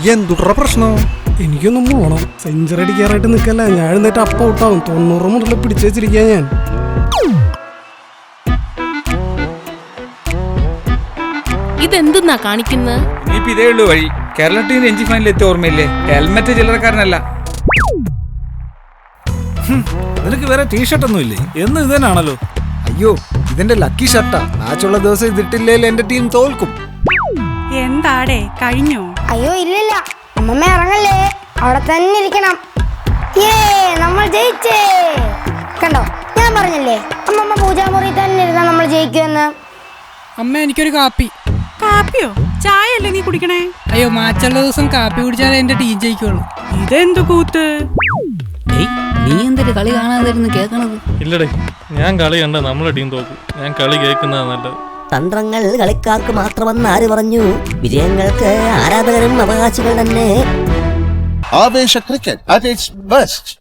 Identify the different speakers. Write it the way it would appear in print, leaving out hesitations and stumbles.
Speaker 1: എന്തുട്ര പ്രശ്നം?
Speaker 2: എനിക്കൊന്നും പോണം. സെഞ്ചുറി അടിക്കാറായിട്ട് നിൽക്കല്ല. ഞാൻ എഴുന്നേറ്റ് അപ്പ ഔട്ടാവും. 90 മുതൽ പിടിച്ചു വെച്ചിരിക്കുക ഞാൻ.
Speaker 3: ഇതെന്തെന്നാ കാണിക്കുന്നത്?
Speaker 4: ഇനിയിപ്പോ ഇതേ ഉള്ളൂ വഴി. കേരള ടീം രഞ്ജി ഫൈനലിൽ എത്തിയ ഓർമ്മയില്ലേ? ഹെൽമെറ്റ് ചില്ലറക്കാരനല്ല.
Speaker 5: നിനക്ക് വേറെ ടീഷർട്ട് ഒന്നും ഇല്ലേ? എന്നും ഇത് തന്നെയാണല്ലോ.
Speaker 1: അയ്യോ, ഇതെന്റെ ലക്കി ഷർട്ടാ. മാച്ചുള്ള ദിവസം ഇതിട്ടില്ലേൽ എന്റെ ടീം തോൽക്കും.
Speaker 6: എന്താടേ കഴിഞ്ഞോ?
Speaker 7: അയ്യോ ഇല്ലില്ല, അമ്മമ്മ ഇറങ്ങല്ലേ, അവിടെ തന്നെ ഇരിക്കണം. നമ്മൾ ജയിച്ചേ. കണ്ടോ, ഞാൻ പറഞ്ഞല്ലേ അമ്മമ്മ പൂജാമുറി തന്നെ ഇരുന്നാ നമ്മൾ ജയിക്കുമെന്ന്.
Speaker 8: അമ്മ എനിക്കൊരു കാപ്പി.
Speaker 6: കാപ്പിയോ? ചായ അല്ലേ നീ കുടിക്കണേ?
Speaker 8: അയ്യോ, മാച്ചുള്ള ദിവസം കാപ്പി കുടിച്ചാലേ എന്റെ ടീം ജയിക്കുള്ളൂ.
Speaker 6: ഇതെന്തു കൂത്ത്?
Speaker 8: നീ എന്തൊരു കളി കാണാതിരുന്ന് കേൾക്കണത്?
Speaker 9: ഇല്ലടേ, ഞാൻ കളി കണ്ട നമ്മളെ ടീം തോക്കും. ഞാൻ കളി കേൾക്കുന്നതാ നല്ലത്.
Speaker 10: തന്ത്രങ്ങൾ കളിക്കാർക്ക് മാത്രമെന്ന് ആര് പറഞ്ഞു? വിജയങ്ങൾക്ക് ആരാധകരും അവകാശികൾ തന്നെ.
Speaker 11: ആവേശ ക്രിക്കറ്റ് at its best.